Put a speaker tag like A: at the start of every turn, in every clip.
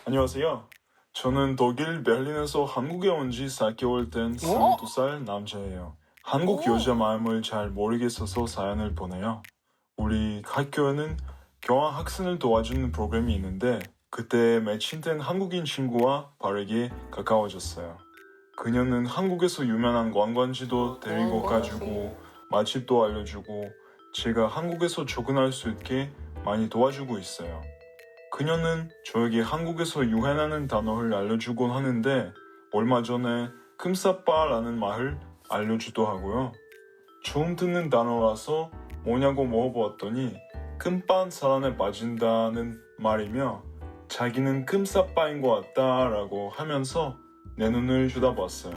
A: 안녕하세요. 저는 독일 베를린에서 한국에 온 지 4개월 된 22살 남자예요. 한국 여자 마음을 잘 모르겠어서 사연을 보내요. 우리 학교에는 교환 학생을 도와주는 프로그램이 있는데 그때 매칭된 한국인 친구와 빠르게 가까워졌어요. 그녀는 한국에서 유명한 관광지도 데리고 가주고 맛집도 알려주고 제가 한국에서 적응할 수 있게 많이 도와주고 있어요. 그녀는 저에게 한국에서 유행하는 단어를 알려주곤 하는데 얼마 전에 금사빠라는 말을 알려주도 하고요. 처음 듣는 단어라서 뭐냐고 물어보았더니 금반 사랑에 빠진다는 말이며 자기는 금사빠인 것 같다라고 하면서 내 눈을 쳐다봤어요.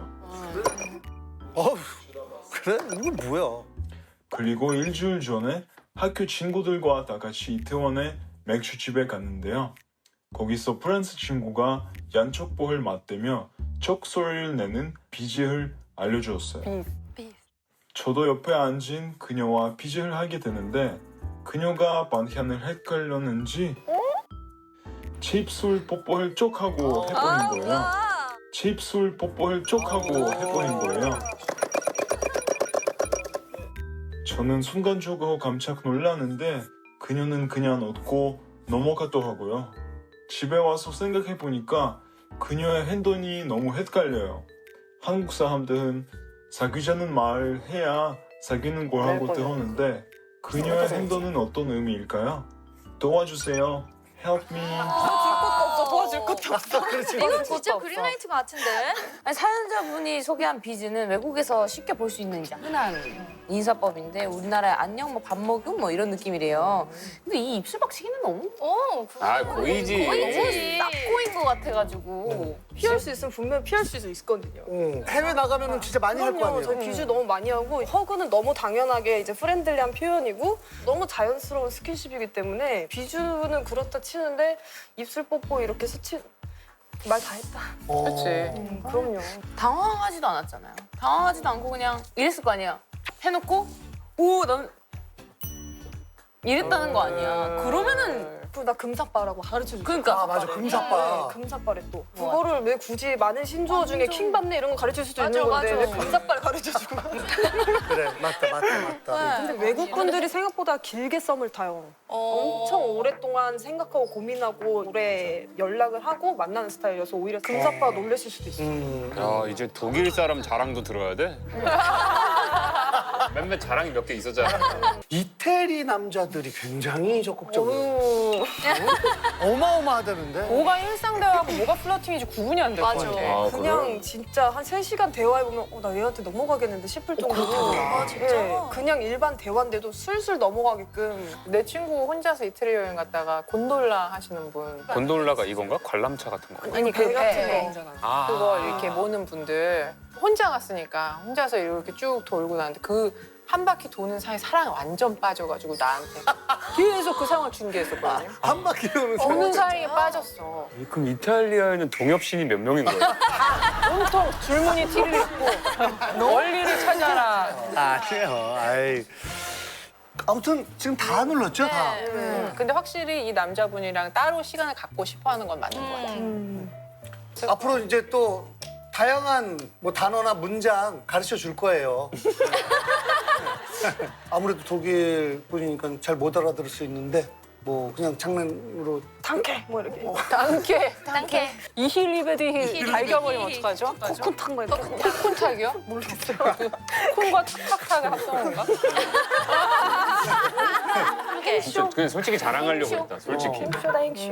B: 그래? 이거 뭐야?
A: 그리고 일주일 전에 학교 친구들과 다 같이 이태원에 맥주집에 갔는데요. 거기서 프랑스 친구가 얀척보를 맞대며 척 소리를 내는 BJ를 알려주었어요. 저도 옆에 앉은 그녀와 BJ를 하게 되는데 그녀가 반찬을 헷갈렸는지 제 입술 뽀뽀를 쪽 하고 해버린 거예요. 제 입술 뽀뽀를 쪽 하고 해버린 거예요. 저는 순간적으로 깜짝 놀랐는데 그녀는 그냥 웃고 넘어갔더라고요. 집에 와서 생각해보니까 그녀의 행동이 너무 헷갈려요. 한국 사람들은 사귀자는 말을 해야 사귀는 거라고 들었는데 그녀의 행동은 어떤 의미일까요? 도와주세요. Help me.
C: 도와줄 것도 없어.
D: 이건 진짜 그린라이트 같은데?
C: 아니, 사연자분이 소개한 비즈는 외국에서 쉽게 볼 수 있는 이제 흔한 인사법인데 우리나라의 안녕, 뭐 밥 먹음 뭐 이런 느낌이래요. 근데 이 입술 박치기는 너무
E: 고이지.
C: 납고인 것 같아가지고.
F: 피할 수 있으면 분명히 피할 수 있거든요.
B: 해외 나가면 진짜 많이 할 거
F: 그럼요.
B: 아니에요?
F: 저희 비주 너무 많이 하고 허그는 너무 당연하게 이제 프렌들리한 표현이고 너무 자연스러운 스킨십이기 때문에 비주는 그렇다 치는데 입술 뽀뽀 이렇게 말 다 했다.
C: 그렇지.
F: 그럼요.
C: 당황하지도 않았잖아요. 당황하지도 않고 그냥 이랬을 거 아니야. 해놓고 오, 난 이랬다는 거 아니야. 그러면은
F: 그리고 나 금사빠라고 가르쳐줬어.
C: 그러니까
B: 아 맞아 금사빠.
F: 금사빠래 또. 그거를 왜 굳이 많은 신조어 중에 킹받네 이런 거 가르칠 수도 있는 건데 왜 금사빠를 가르쳐주고.
B: 그래 맞다.
F: 근데 외국 분들이 생각보다 길게 썸을 타요. 엄청 오랫동안 생각하고 고민하고 오래 연락을 하고 만나는 스타일이어서 오히려 금사빠 놀라실 수도 있어요.
E: 야, 이제 독일 사람 자랑도 들어야 돼? 몇몇 자랑이 몇 개 있었잖아.
B: 이태리 남자들이 굉장히 적극적으로 어마어마하다는데.
G: 뭐가 일상 대화하고 뭐가 플러팅인지 구분이 안 될 것 같아.
E: 아,
F: 그냥 진짜 한 3시간 대화해보면 나 얘한테 넘어가겠는데 싶을 정도로
B: 아,
F: 진짜? 그냥 일반 대화인데도 술술 넘어가게끔
G: 내 친구 혼자서 이태리 여행 갔다가 곤돌라 하시는 분.
E: 곤돌라가 이건가? 관람차 같은 거.
G: 아니
F: 배 같은
G: 배.
F: 거.
E: 아.
G: 그거 이렇게 모는 분들 혼자 갔으니까 혼자서 이렇게 쭉 돌고 나는데 그 한 바퀴 도는 사이 사랑에 완전 빠져가지고 나한테 계속 그 상황을 중계했었거든요.
B: 한 바퀴 도는
G: 도는 사이에 빠졌어.
E: 그럼 이탈리아에는 동엽신이 몇 명인 거야?
G: 온통 줄무늬 티를 입고 원리를 찾아라.
B: 아니에요. 아이. 아무튼 지금 다 눌렀죠 다.
G: 근데 확실히 이 남자분이랑 따로 시간을 갖고 싶어하는 건 맞는 것 같아.
B: 앞으로 이제 또 다양한 뭐 단어나 문장 가르쳐 줄 거예요. 아무래도 독일 분이니까 잘 못 알아들을 수 있는데 뭐 그냥 장난으로
F: 당캐 뭐 이렇게
G: 땅게. 이힐리베디 갈겨버리면 어떡하죠?
F: 코쿤 탄거 이렇게
G: 콘탁이요? 모르겠어요. 콘과 탁탁하게 합성한 건가?
E: 그냥 솔직히 자랑하려고 했다, 솔직히.
F: 쇼다잉쇼